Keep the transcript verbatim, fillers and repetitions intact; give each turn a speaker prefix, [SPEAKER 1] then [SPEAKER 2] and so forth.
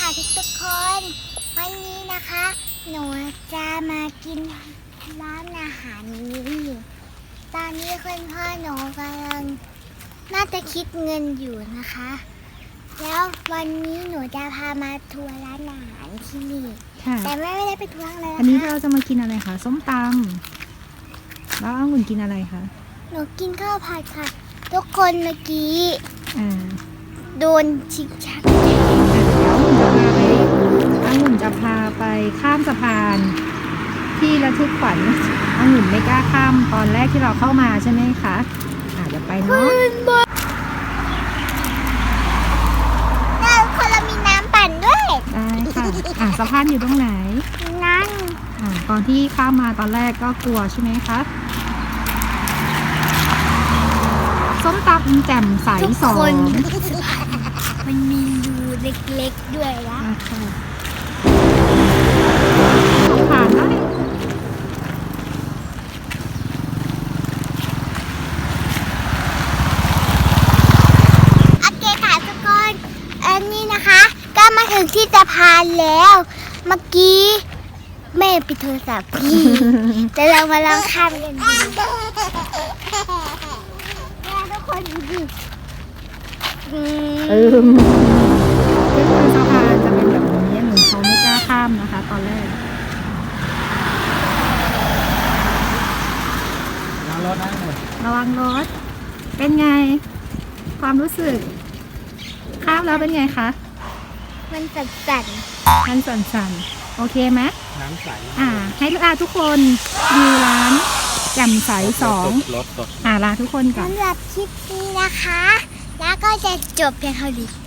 [SPEAKER 1] ค่ะทุกทุกคน วันนี้นะคะ หนูจะมากินร้านอาหารนี้ตอนนี้คุณพ่อหนูกำลังน่าจะคิดเงินอยู่นะคะ แล้ววันนี้หนูจะพามาทัวร์ร้านอาหารที่นี่
[SPEAKER 2] ค่ะ
[SPEAKER 1] แต่แม่ไม่ได้ไปทัวร์เลย
[SPEAKER 2] อันนี้
[SPEAKER 1] ค่ะ
[SPEAKER 2] เราจะมากินอะไรคะส้มตำแล้วองุ่นกินอะไรคะ
[SPEAKER 1] หนูกินข้าวผัดค่ะ ทุกคนเมื่อกี้
[SPEAKER 2] อ่า
[SPEAKER 1] โดนชิกชัก
[SPEAKER 2] เดี๋ยวองุ่นจะพาไปข้ามสะพานที่ระทึกขวัญองุ่นไม่กล้าข้ามตอนแรกที่เราเข้ามาใช่ไหมคะอ่าเดี๋ยวไปเนาะ
[SPEAKER 1] แล้วคนเรามีน้ำปั่นด้วย
[SPEAKER 2] ได้ค่ะอ่าสะพานอยู่ตรงไหน
[SPEAKER 1] นั่น
[SPEAKER 2] อ่าตอนที่ข้ามมาตอนแรกก็กลัวใช่ไหมคะส้มตำแจ่มใส
[SPEAKER 1] ทุก
[SPEAKER 2] สอ
[SPEAKER 1] คน
[SPEAKER 2] ง
[SPEAKER 1] มันมีรูเล็กๆด้วยนะ
[SPEAKER 2] อ่าค่ะผ่านได้
[SPEAKER 1] โอเคค่ะทุกคนอันนี้นะคะ ก็มาถึงที่สะพานแล้ว เมื่อกี้แม่ปิดโทรศัพท์พี่ แต่เรามาลองข้ามกันดูแม่ทุกคนดูดิอื
[SPEAKER 2] เอ
[SPEAKER 1] ม
[SPEAKER 2] อก็คือสะพานจะเป็นแบบนี้เหมือนเขาไม่กล้าข้ามนะคะ ตอนแรก
[SPEAKER 3] น้ำรถนะหมด
[SPEAKER 2] ระวังรถ เป็นไง ความรู้สึก ข้ามแล้วเป็นไงคะ
[SPEAKER 1] มันสั่น
[SPEAKER 2] มันสั่นๆ โอเคไหม
[SPEAKER 3] น้ำใส
[SPEAKER 2] อ่า ให้ลาทุกคนดูร้านแจ่มใสสอง
[SPEAKER 3] รถตก
[SPEAKER 2] อ่าลาทุกคน
[SPEAKER 1] ๆ
[SPEAKER 2] ก่อน
[SPEAKER 1] สำหรับคลิปนี้นะคะ แล้วก็จะจบเพียงเท่านี้